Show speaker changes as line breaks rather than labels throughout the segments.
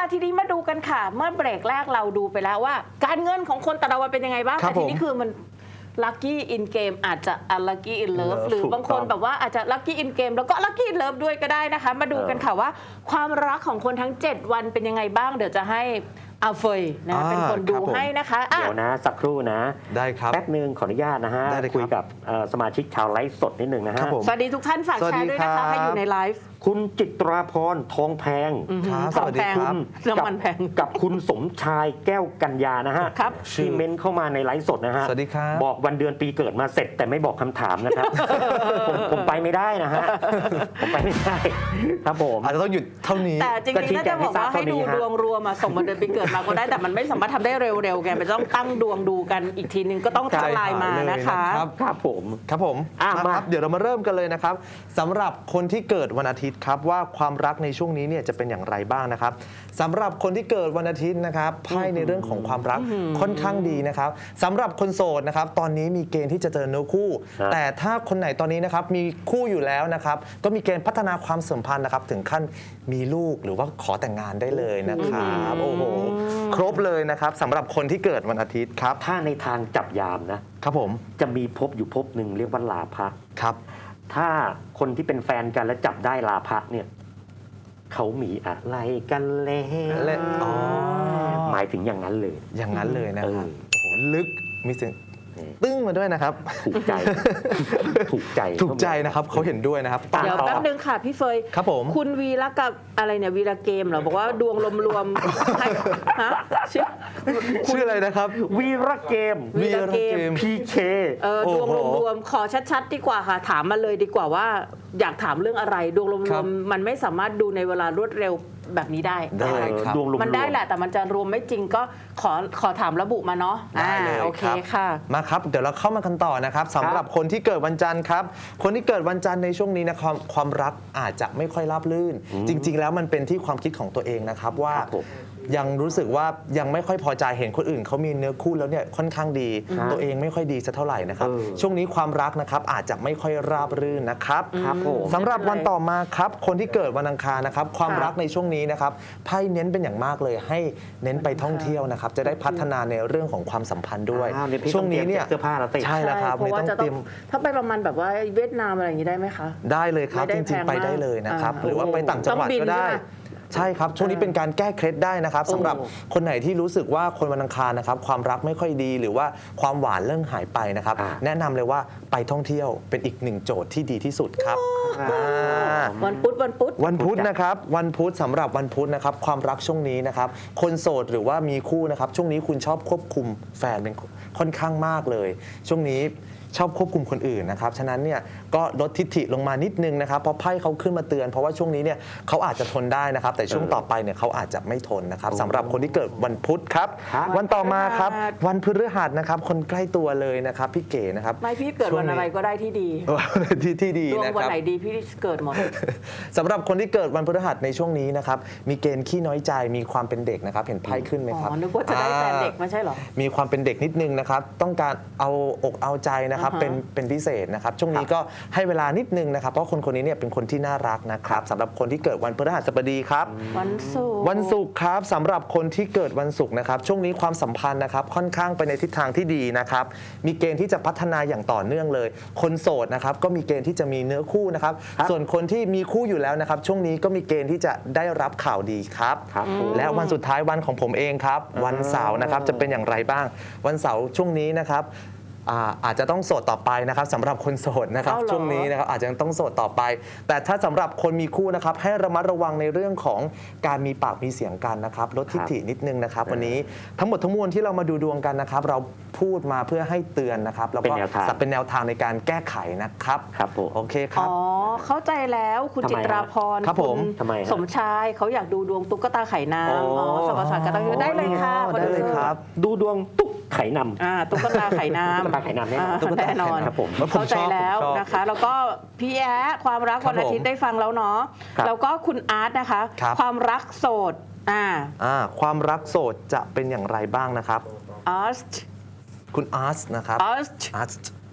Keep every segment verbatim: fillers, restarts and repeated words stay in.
ทีนี้มาดูกันค่ะเมื่อเบรกแรกเราดูไปแล้วว่า การเงินของคนแต่ละวันเป็นยังไงบ้างแต่ทีนี้คือมันลัคกี้อินเกมอาจจะอัลลัคกี้อินเลิฟหรือบางคนแบบว่าอาจจะลัคกี้อินเกมแล้วก็ลัคกี้อินเลิฟด้วยก็ได้นะคะมาดูกันค่ะว่าความรักของคนทั้งเจ็ดวันเป็นยังไงบ้างเดี๋ยวจะให้อาเฟยนะเป็นคนดูให้นะคะ
เดี๋ยวนะสักครู่นะ
ได้ครับ
แป๊บนึงขออนุญาตนะฮะคุยกับสมาชิกชาวไลฟ์สดนิดนึงนะฮะ
สวัสดีทุกท่านฝากแชร์ด้วยนะคะให้อยู่ในไลฟ์
คุณจิตราพรทองแพง
สวัสดีครับน้ำมันแพง
กับคุณสมชายแก้วกัญญานะฮะที่เมนเข้ามาในไลฟ์สดนะฮะ
สวัสดีครับ
บอกวันเดือนปีเกิดมาเสร็จแต่ไม่บอกคำถามนะครับผมผมไปไม่ได้นะฮะผมไปไม่ได้ครับผม
อาจจะต้องหยุดเท่านี้
แต่จริงๆน่าจะบอกว่าให้ดูดวงรวมมาส่งวันเดือนปีเกิดมาก็ได้แต่มันไม่สามารถทำได้เร็วๆไงมันต้องตั้งดวงดูกันอีกทีนึงก็ต้องทักไลน์มานะคะ
ครับผม
ครับผมมาเดี๋ยวเรามาเริ่มกันเลยนะครับสำหรับคนที่เกิดวันอาทิตย์ครับว่าความรักในช่วงนี้เนี่ยจะเป็นอย่างไรบ้างนะครับสำหรับคนที่เกิดวันอาทิตย์นะครับไพ่ในเรื่องของความรักค่อนข้างดีนะครับสำหรับคนโสดนะครับตอนนี้มีเกณฑ์ที่จะเจอเนื้อคู่แต่ถ้าคนไหนตอนนี้นะครับมีคู่อยู่แล้วนะครับก็มีเกณฑ์พัฒนาความสัมพันธ์นะครับถึงขั้นมีลูกหรือว่าขอแต่งงานได้เลยนะครับโอ้โหครบเลยนะครับสำหรับคนที่เกิดวันอาทิตย์ครับ
ถ้าในทางจับยามนะครับ
ผม
จะมีภพอยู่ภพหนึ่งเรียกว่าลาภะ
ครับ
ถ้าคนที่เป็นแฟนกันแล้วจับได้ลาภะเนี่ยเขามีอะไรกันแล้วหมายถึงอย่างนั้นเลย
อย่างนั้นเลยนะครับโอ้โหลึกมีเสียงตึ้งมาด้วยนะครับ
ถูกใจถูกใจ
ถูกใจนะครับเขาเห็นด้วยนะครับ
เดี๋ยวแป๊บนึงค่ะพี่เฟย
ครับผม
คุณวีระกับอะไรเนี่ยวีระเกมเหรอบอกว่าดวงรวมๆฮะ
ชื่ออะไรนะครับ
วีระเกม
วีระเกม
พี เค
เออดวงรวมๆขอชัดๆดีกว่าค่ะถามมาเลยดีกว่าว่าอยากถามเรื่องอะไรดวงรวมๆมันไม่สามารถดูในเวลารวดเร็วแบบนี้ได้
ได้ครับ
มันได้แหละแต่มันจะรวมไม่จริงก็ขอขอถามระบุมาเนาะ
ได้เลย
โอเคค่ะ
มาครับเดี๋ยวเราเข้ามากันต่อนะครับสำหรับคนที่เกิดวันจันทร์ครับคนที่เกิดวันจันทร์ในช่วงนี้นะความความรักอาจจะไม่ค่อยราบรื่นจริงๆแล้วมันเป็นที่ความคิดของตัวเองนะครับว่ายังรู้สึกว่ายังไม่ค่อยพอใจเห็นคนอื่นเขามีเนื้อคู่แล้วเนี่ยค่อนข้างดีตัวเองไม่ค่อยดีสักเท่าไหร่นะครับช่วงนี้ความรักนะครับอาจจะไม่ค่อยราบรื่นนะครับสำหรับวันต่อมาครับคนที่เกิดวันอังคารนะครับความรักในช่วงนี้นะครับไพ่เน้นเป็นอย่างมากเลยให้เน้นไปท่องเที่ยวนะครับจะได้พัฒนาในเรื่องของความสัมพันธ์ด้วยช่วงนี้เนี่ย
เสื้อผ้าเราติด
ใช่แล้วครับ
เพราะว่าจะต้องถ้าไปประมาณแบบว่าเวียดนามอะไรอย่างนี้ได้ไหมคะ
ได้เลยครับจริงๆไปได้เลยนะครับหรือว่าไปต่างจังหวัดก็ได้ใช่ครับช่วงนี้เป็นการแก้เคล็ดได้นะครับสำหรับคนไหนที่รู้สึกว่าคนวันอังคารนะครับความรักไม่ค่อยดีหรือว่าความหวานเริ่มหายไปนะครับแนะนำเลยว่าไปท่องเที่ยวเป็นอีกหนึ่งโจทย์ที่ดีที่สุดครับ
วันพุธวันพุธ
วันพุธนะครับวันพุธสำหรับวันพุธนะครับความรักช่วงนี้นะครับคนโสดหรือว่ามีคู่นะครับช่วงนี้คุณชอบควบคุมแฟนเป็นค่อนข้างมากเลยช่วงนี้ชอบควบคุมคนอื่นนะครับฉะนั้นเนี่ยก็ลดทิฐิลงมานิดนึงนะครับเพราะไพ่เขาขึ้นมาเตือนเพราะว่าช่วงนี้เนี่ยเขาอาจจะทนได้นะครับแต่ช่วงต่อไปเนี่ยเขาอาจจะไม่ทนนะครับสำหรับคนที่เกิดวันพุธครับวันต่อมาครับวันพฤหัสนะครับคนใกล้ตัวเลยนะครับพี่เก๋นะครับ
ไม่พี่เกิดวันอะไรก็ได้ที่ดี
ที่ที่ดีนะครับ
ดวงวันไหนดีพี่เกิดหมด
สำหรับคนที่เกิดวันพฤหัสในช่วงนี้นะครับมีเกณฑ์ขี้น้อยใจมีความเป็นเด็กนะครับเห็นไพ่ขึ้นไหมครับ
อ๋อนึกว่าจะได้แฟนเด็กไม่ใช่หรอ
มีความเป็นเด็กนิดนึงนะครับต้องการเอาอกเอาใจนะครับเป็นเป็นพิเศษนะครับช่วงนี้ก็ให้เวลานิดนึงนะครับเพราะคนคนนี้เนี่ยเป็นคนที่น่ารักนะครับสำหรับคนที่เกิดวันพฤหัสบดีครับ
วันศุกร์
วันศุกร์ครับสำหรับคนที่เกิดวันศุกร์นะครับช่วงนี้ความสัมพันธ์นะครับค่อนข้างไปในทิศทางที่ดีนะครับมีเกณฑ์ที่จะพัฒนาอย่างต่อเนื่องเลยคนโสดนะครับก็มีเกณฑ์ที่จะมีเนื้อคู่นะครับส่วนคนที่มีคู่อยู่แล้วนะครับช่วงนี้ก็มีเกณฑ์ที่จะได้รับข่าวดีครับและวันสุดท้ายวันของผมเองครับวันเสาร์นะครับจะเป็นอย่างไรบ้างวันเสาร์ช่วงนี้นะครับอาจจะต้องโสดต่อไปนะครับสำหรับคนโสดนะครับช่วงนี้นะครับอาจจะต้องโสดต่อไปแต่ถ้าสำหรับคนมีคู่นะครับให้ระมัดระวังในเรื่องของการมีปากมีเสียงกันนะครับลดทิฐินิดนึงนะครับวันนี้ทั้งหมดทั้งมวลที่เรามาดูดวงกันนะครับเราพูดมาเพื่อให้เตือนนะครับแล้วก็เป็นแนวทางในการแก้ไขนะครับ
ครับผม
โอเคครับ
อ๋อเข้าใจแล้วคุณจิตราพร
ครับผม
สมชายเขาอยากดูดวงตุ๊กตาไข่น้ำอ๋อสมศาสตร์ก็ต้องได้เลยค่ะ
ได้เลยครับ
ดูดวงตุ๊กไข่น้
ำอ่าตุ๊กตาไข่น้ำ
ตุ๊กตาไข่น้ำ
แน่นอนเข้าใจแล้วนะคะแล้วก็พี่แอ๊ความรักวันอาทิตย์ได้ฟังแล้วเนาะแล้วก็คุณอาร์ตนะคะความรักโสดอ่า
อ่าความรักโสดจะเป็นอย่างไรบ้างนะครับ
อาร์ต
คุณอาร์ตนะครับ
อาร์ต
อาร์ต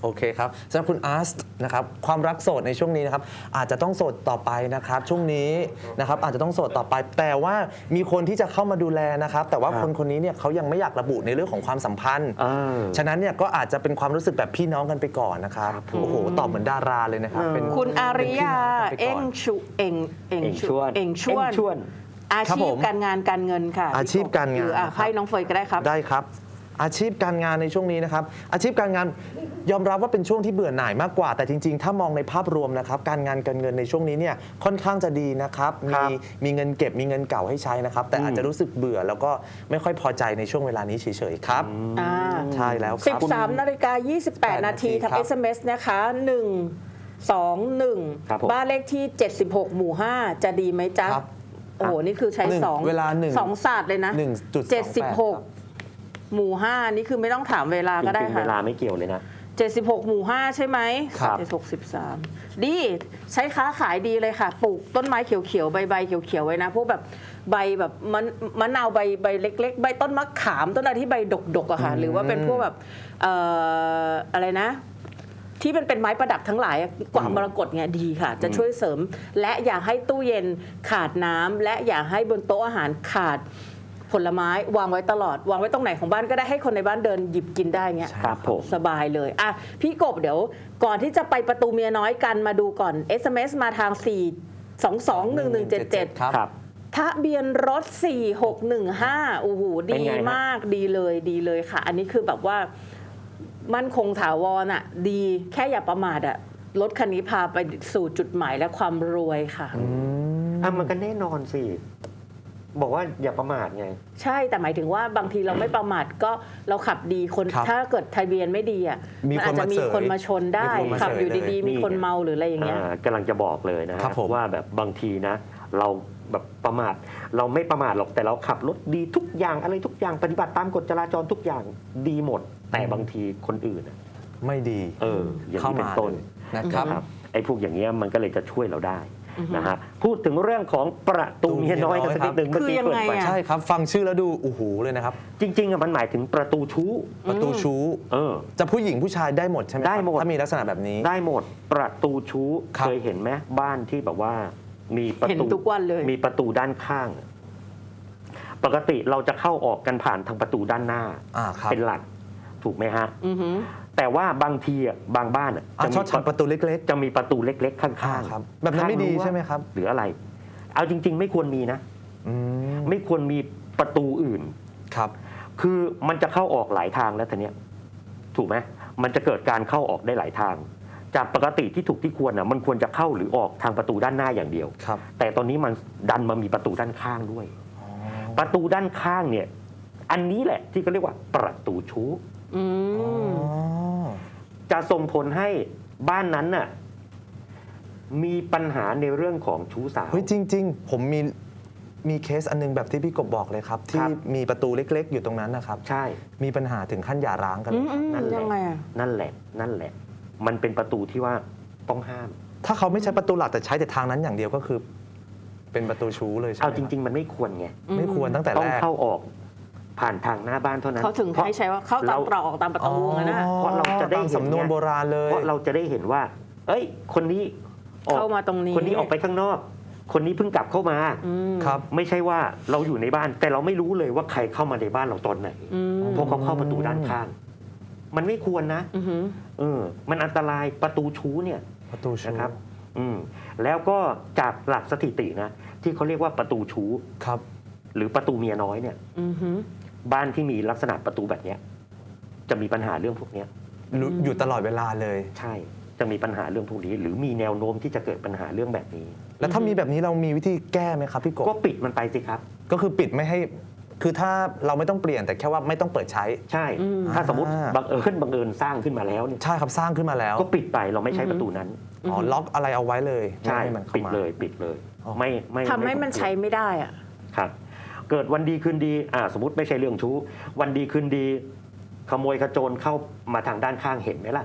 โอเคครับสำหรับคุณอาร์ตนะครับความรักโสดในช่วงนี้นะครับอาจจะต้องโสดต่อไปนะครับช่วงนี้นะครับอาจจะต้องโสดต่อไปแต่ว่ามีคนที่จะเข้ามาดูแลนะครับแต่ว่า
ครับ
คนคนนี้เนี่ยเขายังไม่อยากระบุในเรื่องของความสัมพันธ์
เออ
ฉะนั้นเนี่ยก็อาจจะเป็นความรู้สึกแบบพี่น้องกันไปก่อนนะครับ
ครับ
โอ้โหตอบเหมือนดาราเลยนะครับเป็น
คุณอาริยา
เป็นพี่
เอ็
น้
ง
องกันไปก่อน
ชุเอ็งเอ็ง
เอ็งชวน
เอ็งชวน
เอ็งชวน
อา
ครับ
ชี
ผ
พ
ม
การงานการเงินค่ะ
อาชีพการงาน
หรืออ่ะ
นะครับ
ให้น้องเฟยก็ได้ครับ
ได้ครับ อาชีพการงานในช่วงนี้นะครับอาชีพการงานยอมรับว่าเป็นช่วงที่เบื่อหน่ายมากกว่าแต่จริงๆ ถ้ามองในภาพรวมนะครับการงานการเงินในช่วงนี้เนี่ยค่อนข้างจะดีนะครับ
ครั
มี
บ
มีเงินเก็บมีเงินเก่าให้ใช้นะครับแต่
อืม
อาจจะรู้สึกเบื่อแล้วก็ไม่ค่อยพอใจในช่วงเวลานี้เฉยๆครับ
อ่า
ใช่แล้วครับ
13นาฬิกา28 นาที
ครั
ทาง
บ
เอส เอ็ม เอส นะคะหนึ่งสองหนึ่ง
ครับผม
บ้านเลขที่เจ็ดสิบหกหมู่ห้าจะดีไหมจ๊ะ
ครับ
โอ้โหนี่คือใช้
หนึ่ง
สอง
เวลาหนึ่ง
สองศาสตร์เลยนะ
หนึ่งจุดสองแปด
เจ็ดสิบหกหมู่ห้านี่คือไม่ต้องถามเวลา
จ
ก็ได้
ริงๆ
ค่ะ
เวลาไม่เกี่ยวเลยนะ
เจ็ดสิบหกหมู่ห้าใช่ไหม
ครับ
เจ็ดสิบหก สิบสามดีใช้ค้าขายดีเลยค่ะ ปลูกต้นไม้เขียวๆ ใบๆ เขียวๆ ไว้นะ พวกแบบใบแบบมันมะนาวใบใบเล็ก ๆ ใบต้นมะขามต้นอะไรที่ใบดกๆอะค่ะ หรือว่าเป็นพวกแบบเอ่ออะไรนะ ที่เป็นเป็นไม้ประดับทั้งหลายอะกว่ามรกตเนี่ยดีค่ะ จะช่วยเสริม และอย่าให้ตู้เย็นขาดน้ำและอย่าให้บนโต๊ะอาหารขาดผลไม้วางไว้ตลอด วางไว้ตรงไหนของบ้านก็ได้ให้คนในบ้านเดินหยิบกินได้เงี้ย
ครับผม
สบายเลยอ่ะพี่กบเดี๋ยวก่อนที่จะไปประตูเมียน้อยกันมาดูก่อน เอส เอ็ม เอส มาทาง สี่ สอง สอง หนึ่ง หนึ่ง เจ็ด เจ็ด
ครับ
ครับ
ทะเบียนรถ สี่หกหนึ่งห้าโอ้โห
เป็น
ดี
ไงฮะ
มากดีเลยดีเลยค่ะ อันนี้คือแบบว่ามั่นคงถาวรอ่ะ ดีแค่อย่าประมาทอ่ะรถคันนี้พาไปสู่จุดหมายและความรวยค่ะ
อ่ะมันก็แน่นอนสิ บอกว่าอย่าประมาทไง
ใช่แต่หมายถึงว่าบางทีเราไม่ประมาทก็เราขับดีคน
ครับ
ถ้าเกิดทะเบียนไม่ดีอ่ะ
มี
มันอาจจะมี
คนมาเสย
คนมาชนได้
มีคนมา
ขับอยู่
เสย
ดี
เลย
ๆ มีคนเมาหรืออะไรอย่างเงี้ย
อ่ากำลังจะบอกเลยนะฮะ
ครับผม
ว่าแบบบางทีนะ เราแบบประมาท เราไม่ประมาทหรอกแต่เราขับรถดีทุกอย่างอะไรทุกอย่างปฏิบัติตามกฎจราจรทุกอย่างดีหมด แต่บางทีคนอื่นอะ
ไม่ดี
เอออย่าง
เข้า
นี้เป็
มาน
ต้น
นะครับ
นะครับไอ้พวกอย่างเงี้ยมันก็เลยจะช่วยเราได้นะฮะพูดถึงเรื่องของประตูเมียน้อยกันสักนิดหนึ่งเมื่อกี้
คือยัง
เปิด
ไง
ไป
อะ
ใช่ครับฟังชื่อแล้วดูโอ้โหเลยนะครับ
จริงๆอะมันหมายถึงประตูชู้
ประตูชู้
เออ
จะผู้หญิงผู้ชายได้หมดใช่ไหมครับ
ได้หมด
ถ้ามีลักษณะแบบนี้
ได้หมดประตูชู้
ครับ
เคยเห็นไหมบ้านที่แบบว่ามีประ
เห็น
ตู
ทุกวันเลย
มีประตูด้านข้าง ปกติเราจะเข้าออกกันผ่านทางประตูด้านหน้า
อ่าครับ
เป็นหลักถูกไหมฮะ
อือหือ
แต่ว่าบางทีอ่ะบางบ้านอ่ะ
อ่า
จะ
ช
มี
อบทำประตูเล็ก
จะมีประตูเล็ก ๆ ข้าง
อ่า
ๆ
ครับแบบนั้นไม่ดี
ข้างรั้ว
ใช่ไหมครับ
หรืออะไร เอาจริง ๆ ไม่ควรมีนะ
อืม
ไม่ควรมีประตูอื่น
ครับ
คือมันจะเข้าออกหลายทางแล้วทีเนี้ยถูกไหมมันจะเกิดการเข้าออกได้หลายทาง จากปกติที่ถูกที่ควรอ่ะมันควรจะเข้าหรือออกทางประตูด้านหน้าอย่างเดียว
ครับ
แต่ตอนนี้มันดันมามีประตูด้านข้างด้วย ประตูด้านข้างเนี่ย อันนี้แหละที่เขาเรียกว่าประตูชู้
อื
อ๋อ
ม
จะส่งผลให้บ้านนั้นน่ะมีปัญหาในเรื่องของชู้สาว
เฮ้ยจริง ๆ ผมมีมีเคสอันนึงแบบที่พี่กบบอกเลยครับ ที่มีประตูเล็ก ๆ อยู่ตรงนั้นนะครับ
ใช่
มีปัญหาถึงขั้นหย่าร้างกัน
อื
เลย
มอืม
นั่นแหละ
ยังไงอ่ะ
นั่นแหละ นั่นแหละ มันเป็นประตูที่ว่าต้องห้าม
ถ้าเขาไม่ใช้ประตูหลักแต่ใช้แต่ทางนั้นอย่างเดียวก็คือ เป็นประตูชู้เลยใช่ไหม
เอาจริง ๆ มันไม่ควรไง
ๆไม่ควรตั้งแต่
ต้อ
แรง ก
เข้าออกผ่านทางหน้าบ้านเท่านั้น
เขาถึง
เพราะ
ให้ใช้ว่าเข้าตามตรอกออกตามประตูงั้นนะ
เพราะเราจะได้
ตาม
เห็น
สำนวน
ไง
โบราณเลย
เพราะเราจะได้เห็นว่า เอ้ย คนนี้ออก
เข้ามาตรงนี้
คนนี้ออกไปข้างนอก คนนี้เพิ่งกลับเข้ามา
อืม
ครับ
ไม่ใช่ว่าเราอยู่ในบ้าน แต่เราไม่รู้เลยว่าใครเข้ามาในบ้านเราตอนไหน
อืม
เพราะเขาเข้าประตูด้านข้าง มันไม่ควรนะ
อือหือ
เออ มันอันตรายประตูชู้เนี่ย
ประตูชู้
นะครับ อืม แล้วก็จากหลักสถิตินะที่เขาเรียกว่าประตูชู้
ครับ
หรือประตูเมียน้อยเนี่ย
อือหือ
บ้านที่มีลักษณะประตูแบบเนี้ยจะมีปัญหาเรื่องพวกเนี้ย
รู้อยู่ตลอดเวลาเลย
ใช่ จะมีปัญหาเรื่องพวกนี้ หรือมีแนวโน้มที่จะเกิดปัญหาเรื่องแบบนี้
แล้วถ้ามีแบบนี้เรามีวิธีแก้ไหมครับพี่กบ
ก็ปิดมันไปสิครับ
ก็คือปิดไม่ให้ คือถ้าเราไม่ต้องเปลี่ยนแต่แค่ว่าไม่ต้องเปิดใช้
ใช่
อืม
ถ้าสมมติ
อ่า
บังเอิญบังเอิญสร้างขึ้นมาแล้วเนี่ย
ใช่ครับสร้างขึ้นมาแล้ว
ก็ปิดไปเราไม่ใช้ประตูนั้น
อ๋อล็อกอะไรเอาไว้เลย
ใช่
ไม่ให้มันเข้า
ปิด
มา
เลยปิดเลย
อ๋อ
ไม่ไม่
ทำให้มัน
ไควร
ใช้ไม่ได้อ่ะ
ครับ เกิดวันดีคืนดีอ่าสมมติไม่ใช่เรื่องชู้ วันดีคืนดี ขโมยขโจรเข้ามาทางด้านข้างเห็นไหมล่ะ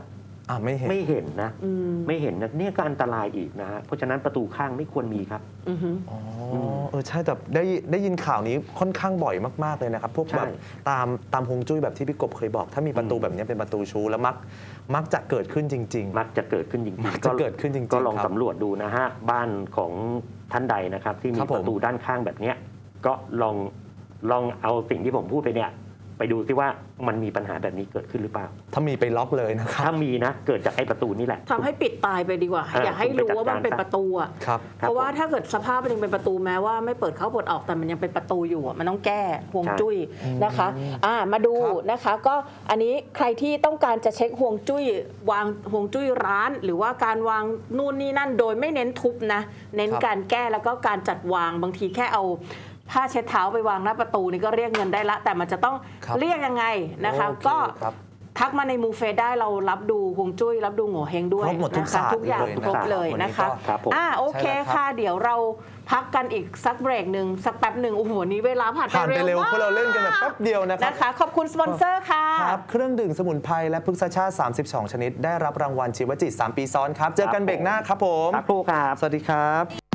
อ่าไม่เห็น
ไม่เห็นนะ
อืม
ไม่เห็นนะเนี่ยก็อันตรายอีกนะฮะเพราะฉะนั้นประตูข้างไม่ควรมีครับ
อือฮึ
อ๋อเออใช่แต่ได้ได้ยินข่าวนี้ค่อนข้างบ่อยมากๆเลยนะครับพวก
ใช่
แบบตามตามฮวงจุ้ยแบบที่พี่กบเคยบอก ถ้ามีประตู
อืม
แบบนี้เป็นประตูชูแล้วมักมักจะเกิดขึ้นจริง
มักจะเกิดขึ้นจริง
มัก
ๆ
จะเกิดขึ้นจริงๆ
ก็ลอง
ครับ
สำรวจดูนะฮะบ้านของท่านใดนะครับ ที่
ค
มี
รับผม
ประตูด้านข้างแบบเนี้ยก็ลองลองเอาสิ่งที่ผมพูดไปเนี่ยไปดูซิว่ามันมีปัญหาแบบนี้เกิดขึ้นหรือเปล่า
ๆ ถ้ามีไปล็อกเลยนะครับ
ถ้ามีนะเกิดจากไอ้ประตูนี่แหละ
ทำให้ปิดตายไปดีกว่า
เออ
อย่าให้รู้ว่ามันเป็น
คุณไปจัดการ
ประตูอะ
ครับ
เพราะว่าถ้าเกิดสภาพมันยังเป็นประตูแม้ว่าไม่เปิดเข้าเปิดออกแต่มันยังเป็นประตูอยู่อะมันต้องแก้ห่วงจุ้ยนะคะอ่ามาดู
ครับ
นะคะก็อันนี้ใครที่ต้องการจะเช็คห่วงจุ้ยวางห่วงจุ้ยร้าน หรือว่าการวางนู่นนี่นั่นโดยไม่เน้นทุบนะเน้นการแก้แล้วก็การจัดวางบางทีแค่เอาผ้าเช็ดเท้าไปวางหน้าประตูนี่ก็เรียกเงินได้ละ แต่มันจะต้อง
ครับ
เรียกยังไงนะคะ
โอเค
ก็
ครับ
ทักมาในมูเฟได้เรารับดูฮวงจุ้ยรับดูโง่เฮงด้วย
ครบหมดทุก
นะคะ
ศาสตร์
ทุกอย่าง
เลย
ครบ
นะครับ
เลย
วันนี้
นะคะ
ก็
ครับผม
อ่าโอเค
ใช่แล้วครับ
ค่ะ เดี๋ยวเราพักกันอีกสักเบรกหนึ่งสักแป๊บหนึ่งโอ้โหวันนี้เวลาผ่าน
ผ่านไปเร็ว
มาก
เพราะเราเล่นกันแบบแป๊บเดียวนะครับ
นะคะ ขอบคุณสปอนเซอร์ค่ะ
ครับเครื่องดื่มสมุนไพรและพฤกษชาติ สามสิบสอง ชนิด ได้รับรางวัลชีวจิต สาม ปีซ้อนครับ เจอกันเบรกหน้าครับผม
สักครู่ครับ
สวัสดีครับ